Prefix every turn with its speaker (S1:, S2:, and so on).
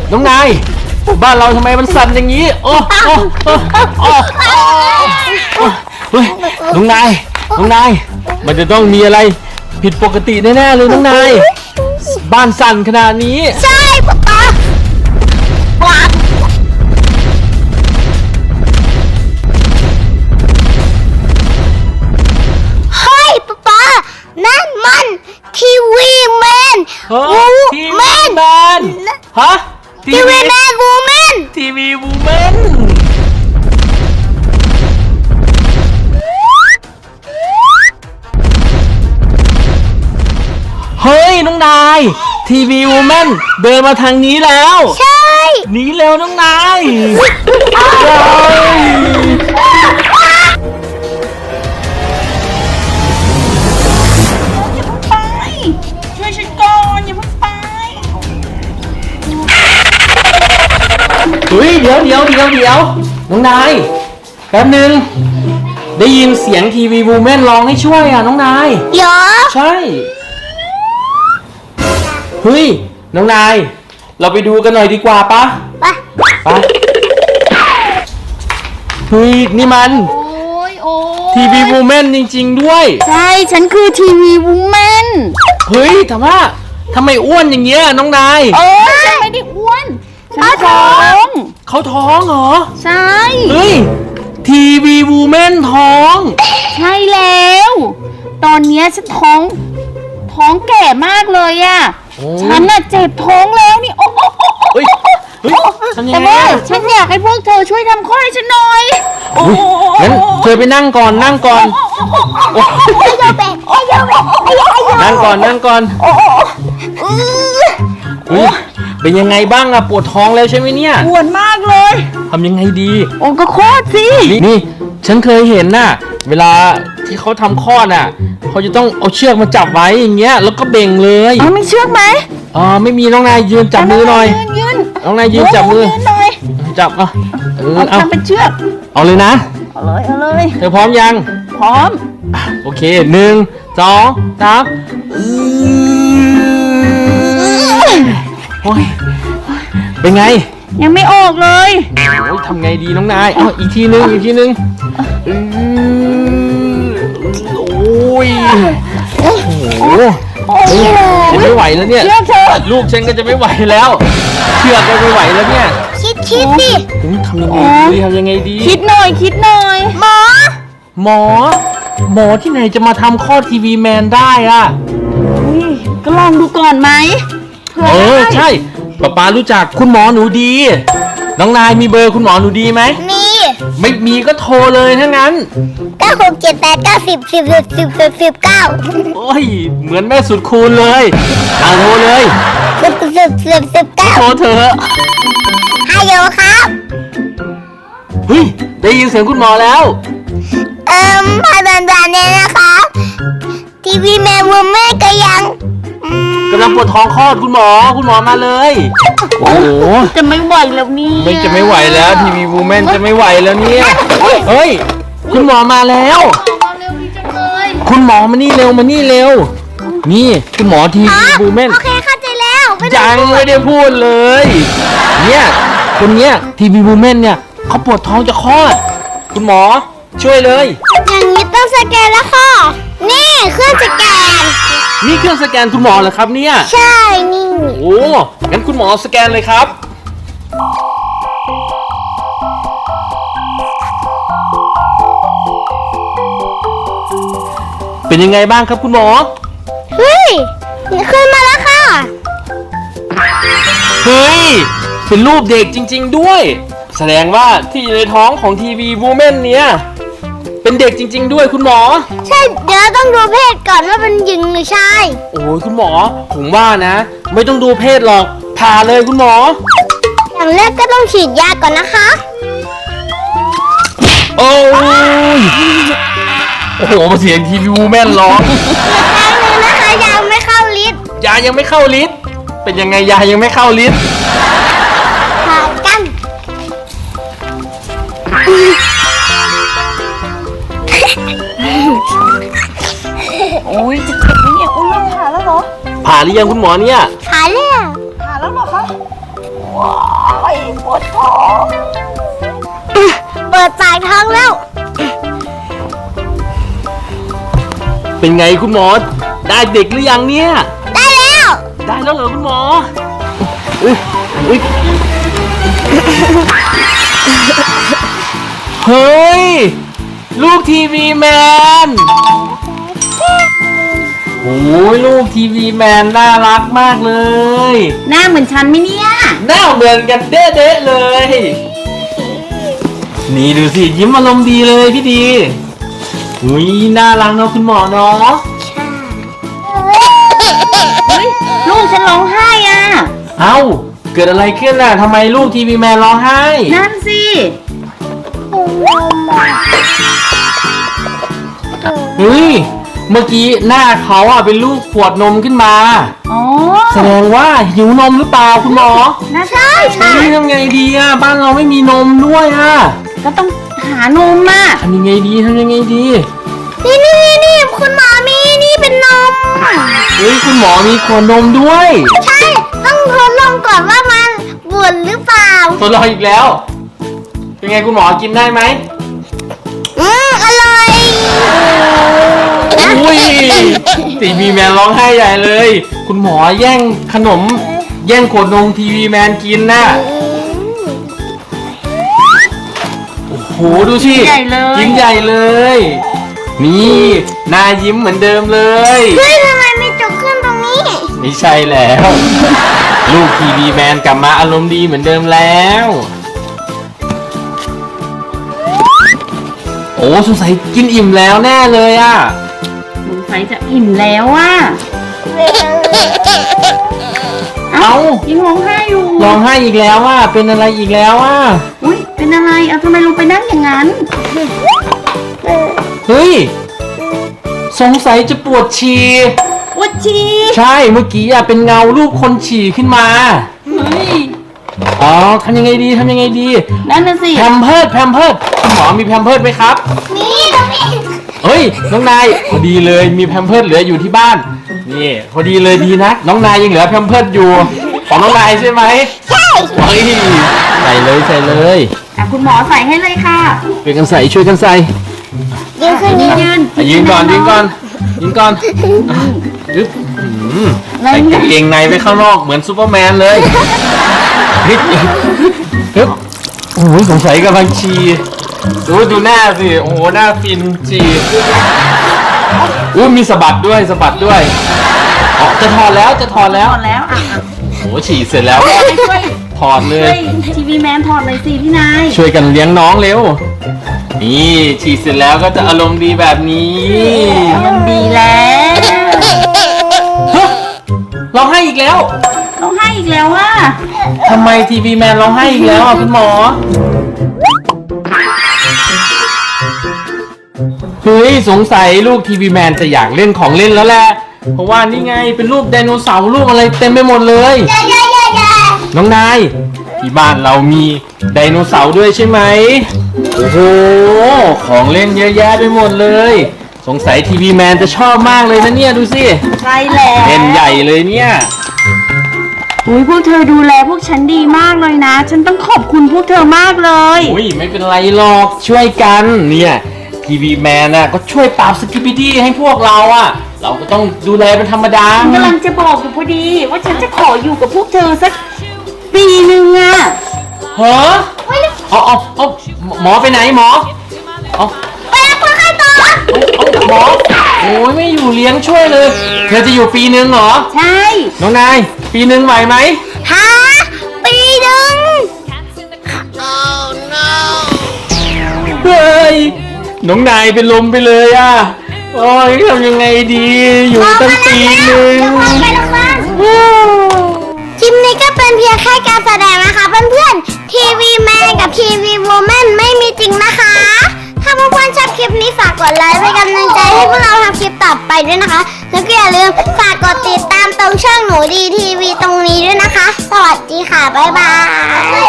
S1: น้องนายบ้านเราทำไมมันสั่นอย่างนี้โอ้เฮ้ยน้องนายมันจะต้องมีอะไรผิดปกติแน่ๆเลยน้องนายบ้านสั่นขนาดนี้
S2: ใช่ป๊าเฮ้ยป๊านั่นมันทีวีแมน
S1: ทีวีแมนฮะ
S2: ทีวีแมนวูแมน
S1: ทีวีวูแมนเฮ้ยน้องนายทีวีวูแมนเดินมาทางนี้แล้ว
S2: ใช่
S1: หนีเร็วน้องนาย
S3: ช่วยฉันก่อนอย่าเพิ่งไป
S1: เฮ้ยเดี๋ยวน้องนายแป๊บนึงได้ยินเสียงทีวีวูแมนร้องให้ช่วยอ่ะน้องนาย
S2: เหรอ
S1: ใช่เฮ้ยน้องนายเราไปดูกันหน่อยดีกว่าปะ
S2: ไป
S1: เฮ้ยนี่มันทีวีวูแมนจริงๆด้วย
S3: ใช่ฉันคือทีวีวูแมน
S1: เฮ้ยแต่ว่าทำไมอ้วนอย่างเงี้ยน้องนาย
S3: ฉันไม่ได้อ้วนฉันท้อง
S1: เขาท้องเหรอ
S3: ใช่
S1: เฮ้ยทีวีวูแมนท้อง
S3: ใช่แล้วตอนนี้ฉันท้องแก่มากเลยอ่ะฉันน่ะเจ็บท้องแล้วนี่
S1: เฮ้ย
S3: แต่ว่าฉันอยากให้พวกเธอช่วยทำข้อให้ฉันหน่อย
S1: งั้นเธอไปนั่งก่อนนั่งก่อนเป็นยังไงบ้างอะปวดท้องแล้วใช่ไหมเนี่ย
S3: ปวดมากเลย
S1: ทำยังไงดี
S3: ก็คลอดสิ
S1: นี่ฉันเคยเห็นน่ะเวลาที่เขาทำคลอดน่ะเขาจะต้องเอาเชือกมาจับไว้อย่างเงี้ยแล้วก็เบ่งเลย
S3: มีเชือกไหม
S1: ไม่มีน้องนายยืนจับมือหน่อยน้องนายยืนจับมือจับ
S3: เอาทำเป็นเชือก
S1: เอาเลยนะ
S3: เอาเลย
S1: เธอพร้อมยัง
S3: พร้อม
S1: โอเค1 2 3โอ้ยเป็นไง
S3: ยังไม่ออกเลย
S1: โอ้ยทำไงดีน้องนายอีกทีนึงโอ้ยโอ้โหจะไม่ไหวแล้วเนี่ยลูกฉันก็จะไม่ไหวแล้วเชือกก็ไม่ไหวแล้วเนี่ย
S2: คิดดิ
S1: ทำยังไงดี
S3: คิดหน่อย
S1: หมอที่ไหนจะมาทำข้อทีวีแมนได้อ่ะ
S3: ก็ลองดูก่อนไหม
S1: ใช่ป๊ารู้จักคุณหมอหนูดีน้องนายมีเบอร์คุณหมอหนูดีไหม
S2: มี
S1: ไม่มีก็โทรเลยถ้างั้น
S2: 9678910101019
S1: โอ้ยเหมือนแม่สุดคูณเลยโทรเลย
S2: 10
S1: โทรเถอะ
S2: ฮัลโหลครับ
S1: เฮ้ยได้ยินเสียงคุณหมอแล้ว
S2: ผ่านเนี่ยนะครับทีวีแมนวูแมนก็ยัง
S1: กำลังปวดท้องคลอดคุณหมอมาเลยโอ้โห
S3: จะไม่ไหวแล้วนี่
S1: จะไม่ไหวแล้วทีวีวูแมนจะไม่ไหวแล้วเนี่ยเฮ้ยคุณหมอมาแล้วคุณหมอมานี่เร็วนี่คุณหมอทีวีวูแมน
S2: โอเคเข้าใจแล้ว
S1: ยังไม่ได้พูดเลยเนี่ยคนเนี้ยทีวีวูแมนเนี่ยเขาปวดท้องจะคลอดคุณหมอช่วยเลย
S2: อย่างนี้ต้องสแกนแล้วค่ะนี่เครื่องสแกน
S1: นี่เครื่องสแกนคุณหมอเหรอครับเนี่ย
S2: ใช่นี่
S1: โอ้งั้นคุณหมอสแกนเลยครับเป็นยังไงบ้างครับคุณหมอ
S2: เฮ้ยขึ้นมาแล้วค่ะ
S1: เฮ้ยเป็นรูปเด็กจริงๆด้วยแสดงว่าที่อยู่ในท้องของทีวีวูแมนเนี่ยเป็นเด็กจริงๆด้วยคุณหมอ
S2: ใช่เดี๋ยวต้องดูเพศก่อนว่าเป็นหญิงหรือชาย
S1: โอ้ยคุณหมอผมว่านะไม่ต้องดูเพศหรอกผ่าเลยคุณหมอ
S2: อย่างแรกก็ต้องฉีดยาก่อนนะคะ
S1: โอ้โหเสียงทีวีวูแมนร้อง
S2: อีกครั้งนึงนะคะยายังไม่เข้าลิ้น
S1: เป็นยังไงยายังไม่เข้าลิ้น
S2: ผ่ากัน
S3: โอ้ยจะเจ็บไหมเนี่ยอุ้ยผ่าแล้วเหรอ
S1: ผ่าหรือยังคุณหมอเนี่ย
S2: ผ่าแล้ว
S3: เหรอคะว้า
S1: เป็นไงคุณหมอได้เด็กหรือยังเนี่ย
S2: ได้แล้ว
S1: ได้แล้วเหรอคุณหมออุ๊ยอุ๊ยเฮ้ยลูกทีวีแมนโอ้ยลูกทีวีแมนน่ารักมากเลย
S3: หน้าเหมือนฉันไหมเนี่ย
S1: หน้าเหมือนกันเด๊ะๆเลย นี่ดูสิยิ้มอารมณ์ดีเลยพี่ดีอุ้ยน่ารักเนาะคุณหมอเนาะ
S3: เฮ้ยลูกฉันร้องไห้อ่ะ
S1: เอ้าเกิดอะไรขึ้นน่ะทำไมลูกทีวีแมนร้องไห้
S3: นั่นสิ
S1: เฮ้ยเมื่อกี้หน้าเขาอ่ะเป็นลูกขวดนมขึ้นมา
S3: อ๋อ
S1: แสดงว่าหิวนมหรือเปล่าคุณหมอ
S3: น่าใช่ใช่
S1: เฮ้ยทำไงดีอ่ะบ้านเราไม่มีนมด้วยอ่ะ
S3: ก็ต้องหานมอ่ะ
S1: ทำยังไงดี
S2: นี่คุณหมอมีนี่เป็นนม
S1: เฮ้ยคุณหมอมีขวดนมด้วย
S2: ใช่ ต้องทดลองก่อนว่ามันบุญหรือเปล่า
S1: ทดลองอีกแล้ว เป็นไงคุณหมอกินได้ไหม
S2: อร่อย
S1: อุ้ยทีวีแมนร้องไห้ใหญ่เลย คุณหมอแย่งขนม แย่งขวดนมทีวีแมนกินน่ะโอ้โหดูสิ
S3: ใหญ่เลย
S1: กินใหญ่เลย นี่หน้ายิ้มเหมือนเดิมเลย
S2: เฮ้ยทำไมมีจุกขึ้นตรงนี้
S1: ไม่ใช่แล้ว ลูกทีวีแมนกลับมาอารมณ์ดีเหมือนเดิมแล้ว โอ้สงสัยกินอิ่มแล้วแน่เลยอ่ะ
S3: สงสัยจะอิ่มแล้วอ่ะ
S1: เอ้า
S3: ยังร้องไห้อยู่
S1: ร้องไห้อีกแล้วอ่ะเป็นอะไรอีกแล้วอ่ะ
S3: อุ้ยเป็นอะไรเอาทำไมลงไปนั่งอย่างนั้น
S1: เฮ้ยสงสัยจะปวดฉี่
S3: ปวดฉี่
S1: ใช่เมื่อกี้อ่ะเป็นเงารูปคนฉี่ขึ้นมา
S3: เฮ้ย
S1: อ๋อทำยังไงดี
S3: นั่นน่ะสิ
S1: แพมเพิร์ดคุณหมอมีแพมเพิร์ดไหมครับ
S2: นี่ตรงนี้
S1: เฮ้ยน้องนายพอดีเลยมีแพมเพิร์ดเหลืออยู่ที่บ้านนี่พอดีเลยดีนะน้องนายยังเหลือแพมเพิร์ดอยู่ของน้องนายใช่ไหม
S2: ใช่
S1: เฮ้ยใส่เลย
S3: อ่ะคุณหมอใส่ให้เลยค่ะ
S1: ช่วยกันใส่
S2: ยืนขึ้นยืน
S3: ยืน
S1: อ่ะยืนก่อนยึบใส่กางเกงในไปข้างนอกเหมือนซูเปอร์แมนเลยฮึบโอ้ยสงสัยกำลังฉี่ดูหน้าสิโอ้โหหน้าฟินฉี่มีสะบัดด้วยอ๋อจะถอดแล้ว
S3: ถอดแล้วอ่ะ
S1: โอ้ฉี่เสร็จแล้ว
S3: ช่วย
S1: ถอดเล
S3: ช่วย ยทีวีแมนถอดเลยสิพี่นาย
S1: ช่วยกันเลี้ยงน้องเร็วนี่ฉี่เสร็จแล้วก็จะอารมณ์ดีแบบนี้
S3: มันดีแล้ว
S1: ฮะร้องไห้อีกแล้ว
S3: ร้องไห้อีกแล้วว่า
S1: ทำไมทีวีแมนร้องไห้อีกแล้วอ่ะคุณหมอเฮ้ยสงสัยลูกทีวีแมนจะอยากเล่นของเล่นแล้วแหละเพราะว่านี่ไงเป็นรูปไดโนเสาร์รูปอะไรเต็มไปหมดเลย น้องนายที่บ้านเรามีไดโนเสาร์ด้วยใช่ไหมโอ้โหของเล่นเยอะแยะไปหมดเลยสงสัยทีวีแมนจะชอบมากเลยนะเนี่ยดูสิ
S3: ใช่แล้ว
S1: เล่นใหญ่เลยเนี่ย
S3: อุ้ยพวกเธอดูแลพวกฉันดีมากเลยนะ ฉันต้องขอบคุณพวกเธอมากเลย
S1: อุ้ยไม่เป็นไรหรอกช่วยกันเนี่ยทีวีแมนน่ะก็ช่วยปราบสกิปปิดี้ให้พวกเราอ่ะเราก็ต้องดูแลเป็นธรรมดา
S3: ฉันกำลังจะบอกอยู่พอดี ว่าฉันจะขออยู่กับพวกเธอสักปีหนึ่งอะ
S1: เหรอเอาหมอไปไหนหมอเอา
S2: ไปรับคนไข้ต่อ
S1: เอาหมอโอ้ยไม่อยู่เลี้ยงช่วยเลยเธอจะอยู่ปีนึงเหรอ
S3: ใช่
S1: น้องนายปีนึงไหวไหม
S2: หาปีหนึ่ง
S1: เฮ้ยน้องนายเป็นลมไปเลยอ่ะโอ้ยทำยังไงดีอยู่ตั้งปีนึง
S2: ไปโรงพยาบาลคลิปนี้ก็เป็นเพียงแค่การแสดงนะคะเพื่อนๆทีวีแมนกับทีวีวูแมนไม่มีจริงนะคะ ถ้าเพื่อนๆชอบคลิปนี้ฝากกดไลค์เป็นกำลังใจให้พวกเราทำคลิปต่อไปด้วยนะคะ แล้วก็อย่าลืมฝากกดติดตามตรงช่องหนูดีทีวีตรงนี้ด้วยนะคะ สวัสดีค่ะ บ๊ายบาย